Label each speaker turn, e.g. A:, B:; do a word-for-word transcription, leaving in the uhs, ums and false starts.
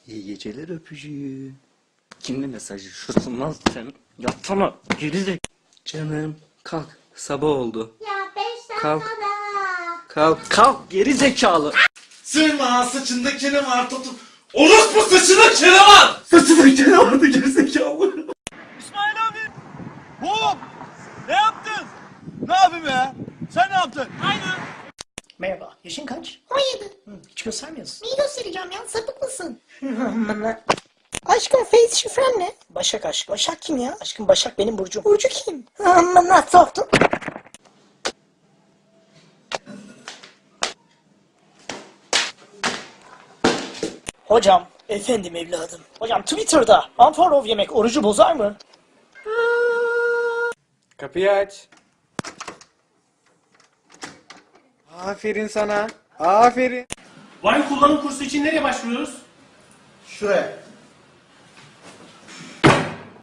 A: İyi geceler öpücüğü. Kimli mesajı? Şurası lan sen. Yatsana. Gerizek. Canım kalk. Sabah oldu.
B: Ya beş
A: Kalk.
B: dakikada.
A: Kalk. Kalk geri zekalı.
C: Sırma saçında kene var tutup. Orospu saçında kene var.
A: Saçında kene vardı geri zekalı.
D: İsmail abi. Hop. Ne yaptın? Ne yapayım ya? Sen ne yaptın? Aynı.
E: Merhaba, yaşın kaç?
B: on yedi.
E: Hı, hiç göstermiyorsun.
B: Neyi göstereceğim ya? Sapık mısın?
E: Aşkım face şifren ne? Başak aşk. Başak kim ya? Aşkım Başak benim burcum. Burcu kim? Amına soktum. Hocam, efendim evladım. Hocam Twitter'da unfollow yemek orucu bozar mı?
F: Kapıyı aç. Aferin sana. Aferin.
D: Vine kullanım kursu için nereye başvuruyoruz?
C: Şuraya.